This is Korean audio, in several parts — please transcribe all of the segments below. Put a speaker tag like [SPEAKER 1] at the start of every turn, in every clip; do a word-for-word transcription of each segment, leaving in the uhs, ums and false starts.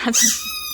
[SPEAKER 1] 과장.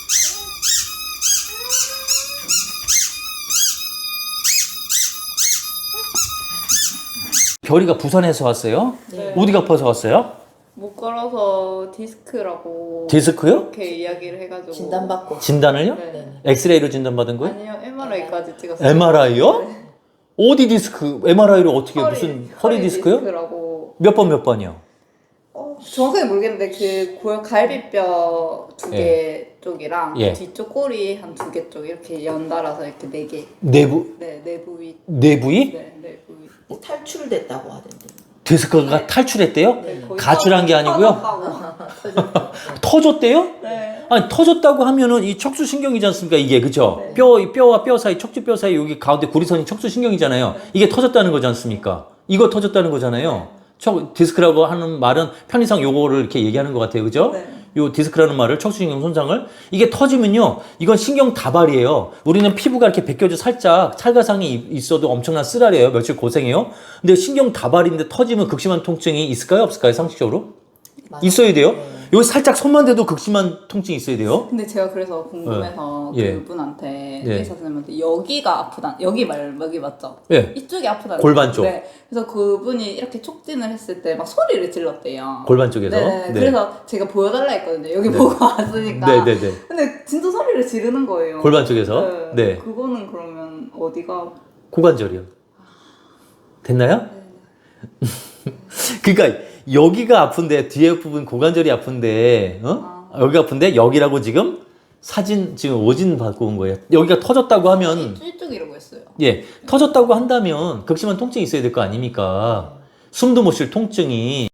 [SPEAKER 2] 별이가 부산에서 왔어요?
[SPEAKER 3] 네.
[SPEAKER 2] 어디가 아파서 왔어요?
[SPEAKER 3] 못 걸어서 디스크라고
[SPEAKER 2] 디스크요?
[SPEAKER 3] 이렇게 이야기를 해가지고
[SPEAKER 4] 진단받고.
[SPEAKER 2] 진단을요?
[SPEAKER 3] 네.
[SPEAKER 2] 엑스레이로 진단받은 거예요?
[SPEAKER 3] 아니요 엠알아이까지 찍었어요.
[SPEAKER 2] 엠알아이요?
[SPEAKER 3] 네.
[SPEAKER 2] 어디 디스크? 엠알아이를 어떻게
[SPEAKER 3] 허리,
[SPEAKER 2] 무슨 허리, 디스크요?
[SPEAKER 3] 디스크라고
[SPEAKER 2] 몇 번 몇 번이요?
[SPEAKER 3] 어, 정확하게 모르겠는데 그 골 갈비뼈 두 개 쪽이랑
[SPEAKER 2] 예.
[SPEAKER 3] 뒤쪽 꼬리 한 두 개 쪽 이렇게 연달아서 이렇게 네 개.
[SPEAKER 2] 내부
[SPEAKER 3] 네 내부 위.
[SPEAKER 2] 내부위?
[SPEAKER 3] 네 내부 위.
[SPEAKER 4] 탈출됐다고 하던데.
[SPEAKER 2] 디스크가 탈출했대요?
[SPEAKER 3] 네, 거의
[SPEAKER 2] 가출한 게 아니고요?
[SPEAKER 3] 터졌다고.
[SPEAKER 2] 터졌대요?
[SPEAKER 3] 네.
[SPEAKER 2] 아니 터졌다고 하면은 이 척수신경이지 않습니까 이게 그죠?
[SPEAKER 3] 네.
[SPEAKER 2] 뼈, 이 뼈와 뼈 사이 척추뼈 사이 여기 가운데 고리선이 척수신경이잖아요. 이게 터졌다는 거지 않습니까? 이거 터졌다는 거잖아요. 척, 디스크라고 하는 말은 편의상 요거를 이렇게 얘기하는 것 같아요 그죠?
[SPEAKER 3] 네.
[SPEAKER 2] 요 디스크라는 말을 척수신경 손상을 이게 터지면요 이건 신경 다발이에요. 우리는 피부가 이렇게 벗겨져 살짝 찰가상이 있어도 엄청난 쓰라려요. 며칠 고생해요. 근데 신경 다발인데 터지면 극심한 통증이 있을까요 없을까요 상식적으로?
[SPEAKER 4] 맞아요.
[SPEAKER 2] 있어야 돼요.
[SPEAKER 4] 네.
[SPEAKER 2] 여기 살짝 손만 대도 극심한 통증이 있어야 돼요.
[SPEAKER 3] 근데 제가 그래서 궁금해서
[SPEAKER 2] 예.
[SPEAKER 3] 그분한테
[SPEAKER 2] 예.
[SPEAKER 3] 의사 선생님한테 여기가 아프다 여기 말 여기 맞죠?
[SPEAKER 2] 예.
[SPEAKER 3] 이쪽이 아프다.
[SPEAKER 2] 골반 쪽.
[SPEAKER 3] 네. 그래서 그분이 이렇게 촉진을 했을 때 막 소리를 질렀대요.
[SPEAKER 2] 골반 쪽에서.
[SPEAKER 3] 네. 그래서 제가 보여달라 했거든요. 여기
[SPEAKER 2] 네.
[SPEAKER 3] 보고 왔으니까.
[SPEAKER 2] 네네네.
[SPEAKER 3] 근데 진짜 소리를 지르는 거예요.
[SPEAKER 2] 골반 쪽에서. 네.
[SPEAKER 3] 그거는 그러면 어디가?
[SPEAKER 2] 고관절이요. 됐나요?
[SPEAKER 3] 네.
[SPEAKER 2] 그러니까 여기가 아픈데 뒤에 부분 고관절이 아픈데 어?
[SPEAKER 3] 아.
[SPEAKER 2] 여기가 아픈데 여기라고 지금 사진 지금 오진 받고 온 거예요. 여기가 터졌다고 하면
[SPEAKER 3] 이쪽이라고 했어요.
[SPEAKER 2] 예 터졌다고 한다면 극심한 통증이 있어야 될 거 아닙니까? 숨도 못 쉴 통증이